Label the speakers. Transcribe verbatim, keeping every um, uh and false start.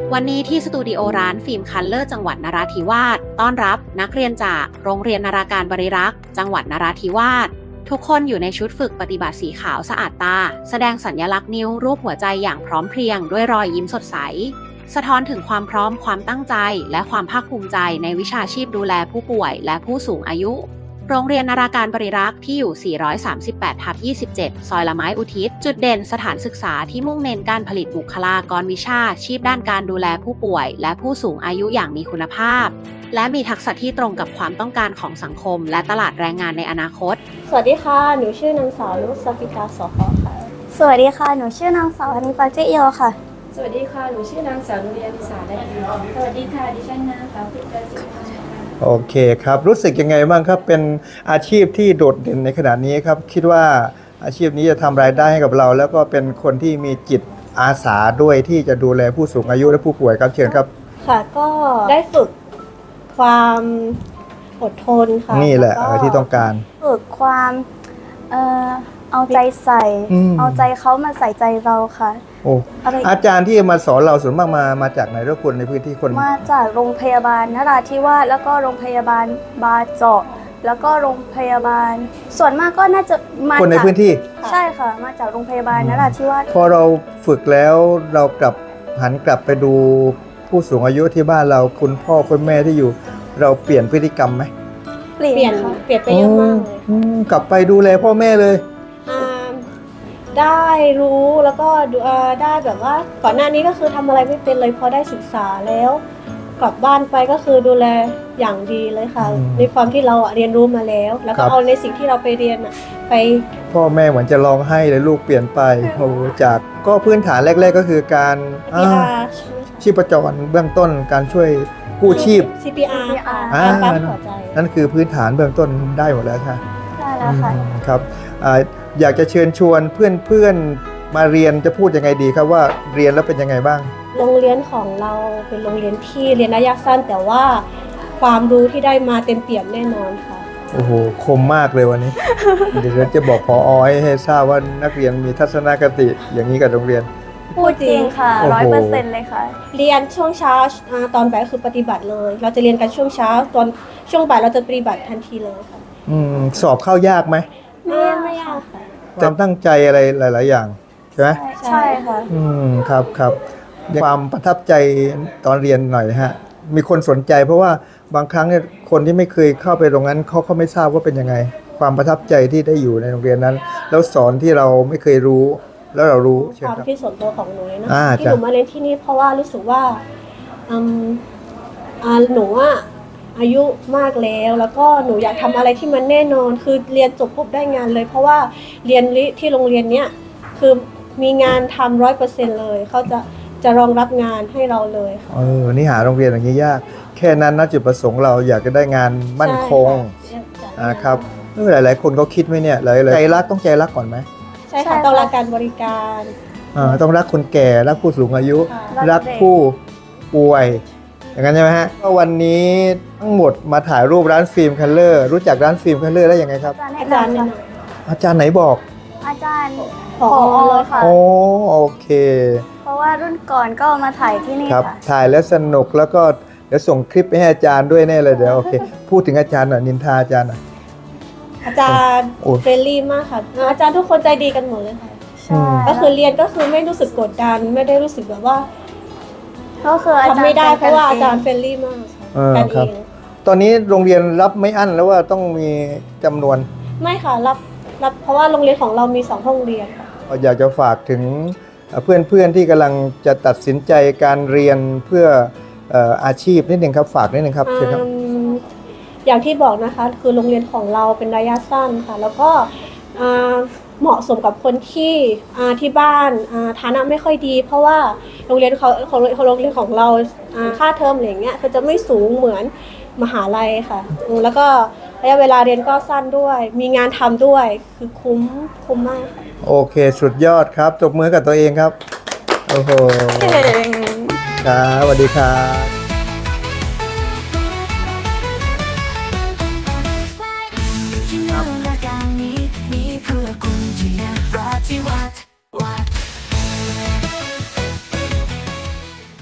Speaker 1: วันนี้ที่สตูดิโอร้านฟิล์มคัลเลอร์จังหวัดนราธิวาสต้อนรับนักเรียนจากโรงเรียนนาราการบริรักษ์จังหวัดนราธิวาสทุกคนอยู่ในชุดฝึกปฏิบัติสีขาวสะอาดตาแสดงสัญลักษณ์นิ้วรูปหัวใจอย่างพร้อมเพรียงด้วยรอยยิ้มสดใสสะท้อนถึงความพร้อมความตั้งใจและความภาคภูมิใจในวิชาชีพดูแลผู้ป่วยและผู้สูงอายุโรงเรียนนาราการบริรักษ์ที่อยู่ สี่ร้อยสามสิบแปดทับยี่สิบเจ็ด ซอยละไม้อุทิศจุดเด่นสถานศึกษาที่มุ่งเน้นการผลิตบุคลากรวิชาชีพด้านการดูแลผู้ป่วยและผู้สูงอายุอย่างมีคุณภาพและมีทักษะที่ตรงกับความต้องการของสังคมและตลาดแรงงานในอนาคต
Speaker 2: สวัสดีค่ะหนูชื่อนางสาวนุชสัฟิกาสขค่ะ
Speaker 3: สวัสดีค่ะหนูชื่อนางสาวอนิฟาเจเอียวค่ะ
Speaker 4: สวัสดีค่ะหนูชื่อนางสาวนุเรียนทิสาได้ดีสวัสดีค่ะดิฉันนางสาวฟิกาจิ
Speaker 5: โอเคครับรู้สึกยังไงบ้างครับเป็นอาชีพที่โดดเด่นในขณะนี้ครับคิดว่าอาชีพนี้จะทำรายได้ให้กับเราแล้วก็เป็นคนที่มีจิตอาสาด้วยที่จะดูแลผู้สูงอายุและผู้ป่วยครับเชิญครับ
Speaker 2: ค่ะก็ได้ฝึกความอดทนค่ะ
Speaker 5: นี่แหละที่ต้องการ
Speaker 3: ฝึกความเอ่อเอาใจใส่เอาใจเขามาใส่ใจเราค่ะ
Speaker 5: โอ้อาจารย์ที่มาสอนเราส่วนมากมามาจากไหนทุกคนในพื้นที่คน
Speaker 3: มาจากโรงพยาบาลนราธิวาสแล้วก็โรงพยาบาลบาเจาะแล้วก็โรงพยาบาลส่วนมากก็น่าจะมา
Speaker 5: คนในพื้นที่
Speaker 3: ใช่ค่ะมาจากโรงพยาบาลนราธิวาส
Speaker 5: พอเราฝึกแล้วเรากลับหันกลับไปดูผู้สูงอายุที่บ้านเราคุณพ่อคุณแม่ที่อยู่เราเปลี่ยนพฤติกรรมไหม
Speaker 2: เปลี่ยนเปลี่ยนไปเยอะมากเลย
Speaker 5: กลับไปดูแลพ่อแม่เลย
Speaker 2: ได้รู้แล้วก็ได้แบบว่าก่อนหน้านี้ก็คือทำอะไรไม่เป็นเลยพอได้ศึกษาแล้วกลับบ้านไปก็คือดูแลอย่างดีเลยค่ะในความที่เราเรียนรู้มาแล้วแล้วก็เอาในสิ่งที่เราไปเรียนไป
Speaker 5: พ่อแม่เหมือนจะร้องไห้เลยลูกเปลี่ยนไปโอ้จากก็พื้นฐานแรกๆก็คือการชีพจรเบื้องต้นการช่วยกู้ชีพ
Speaker 2: ซี พี อาร์
Speaker 5: การปั๊มหัวใจนั่นคือพื้นฐานเบื้องต้นได้หมดแล้วค่ะ
Speaker 3: ได้แล้วค่ะ
Speaker 5: ครับอยากจะเชิญชวนเพื่อนๆมาเรียนจะพูดยังไงดีครับว่าเรียนแล้วเป็นยังไงบ้าง
Speaker 2: โรงเรียนของเราเป็นโรงเรียนที่เรียนระยะสั้นแต่ว่าความรู้ที่ได้มาเต็มเปี่ยมแน่นอนค่ะ
Speaker 5: โอ้โหคมมากเลยวันนี้ เดี๋ยวจะบอกผอ.ให้ทราบว่านักเรียนมีทัศนคติอย่างนี้กับโรงเรียน
Speaker 3: พูดจริงค่ะร้อยเปอร์เซ็นต์เลยค่ะ
Speaker 2: เรียนช่วงเช้าตอนบ่ายก็คือปฏิบัติเลยเราจะเรียนกันช่วงเช้าตอนช่วงบ่ายเราจะปฏิบัติทันทีเลยค่ะ
Speaker 5: อืมสอบเข้ายากไหม
Speaker 2: ไม่ไม่ยากค่ะ
Speaker 5: ความตั้งใจอะไรหลายๆอย่างใช่ไหม
Speaker 3: ใช่ค่ะ
Speaker 5: อืมครับครับความประทับใจตอนเรียนหน่อยฮะมีคนสนใจเพราะว่าบางครั้งเนี่ยคนที่ไม่เคยเข้าไปโรงเรียนเขาเขาไม่ทราบว่าเป็นยังไงความประทับใจที่ได้อยู่ในโรงเรียนนั้นแล้วสอนที่เราไม่เคยรู้แล้วเรารู้
Speaker 2: ความที่ส่วนตัวของหนูนะที่หนูมาเรียนที่นี่เพราะว่ารู้สึกว่าหนูอ่ะอายุมากแล้วแล้วก็หนูอยากทำอะไรที่มันแน่นอนคือเรียนจบปุ๊บได้งานเลยเพราะว่าเรียนที่โรงเรียนเนี้ยคือมีงานทำร้อยเปอร์เซ็นต์เลยเขาจะจะรองรับงานให้เราเลย
Speaker 5: เออนี่หาโรงเรียนอย่างนี้ยากแค่นั้นนะจุดประสงค์เราอยากจะได้งานมั่นคงนะครับหลายๆคนเขาคิดไหมเนี่ยหลายๆใจรักต้องใจรักก่อนไหม
Speaker 2: ใช่ค่ะต้องรักการบริการ
Speaker 5: อ่าต้องรักคนแก่รักผู้สูงอายุรักผู้ป่วยอย่างนั้นใช่ไหมฮะก็วันนี้ทั้งหมดมาถ่ายรูปร้านฟิล์มคัลเลอร์รู้จักร้านฟิล์มคัลเลอร์ได้ยังไงครับ
Speaker 2: อาจารย์
Speaker 5: อาจารย์ไหนบอก
Speaker 3: อาจารย์ผอ.ค่ะ
Speaker 5: โอ้โอเค
Speaker 3: เพราะว่ารุ่นก่อนก็มาถ่ายที่นี่
Speaker 5: ครับถ่ายแล้วสนุกแล้วก็เดี๋ยวส่งคลิปไปให้อาจารย์ด้วยแน่เลยเดี๋ยวโอเคพูดถึงอาจารย์หน่อยนินทาอาจารย์หน่อย
Speaker 2: อาจารย์เฟรนลี่มากค่ะอาจารย์ทุกคนใจดีกันหมดเลยค่ะ
Speaker 3: ใช่
Speaker 2: ก็คือเรียนก็คือไม่รู้สึกกดดันไม่ได้รู้สึกแบบว่า
Speaker 3: ก็คือ
Speaker 2: ทำไม่ได้เพราะว่าอาจารย์เฟรนลี่มากกันเอง
Speaker 5: ตอนนี้โรงเรียนรับไม่อั้นแล้วว่าต้องมีจำนวน
Speaker 2: ไม่ค่ะรับรับเพราะว่าโรงเรียนของเรามีสองห้องเรียน
Speaker 5: อยากจะฝากถึงเพื่อนๆที่กำลังจะตัดสินใจการเรียนเพื่ออาชีพนิดหนึ่งครับฝากนิดหนึ่งครับเชิญครับ
Speaker 2: อย่างที่บอกนะคะคือโรงเรียนของเราเป็นระยะสั้นค่ะแล้วก็เหมาะสมกับคนที่ที่บ้านฐานะไม่ค่อยดีเพราะว่าโรงเรียนเขาของโรงเรียนของเราค่าเทอมอะไรอย่างเงี้ยคือจะไม่สูงเหมือนมหาลัยค่ะแล้วก็ระยะเวลาเรียนก็สั้นด้วยมีงานทำด้วยคือคุ้มคุ้มมากค่ะ
Speaker 5: โอเคสุดยอดครับจบมือกับตัวเองครับโอ้โหครับสวัสดีครับ
Speaker 6: ที่เนื้อการนี้มีเพื่อคุณที่นราธิวาส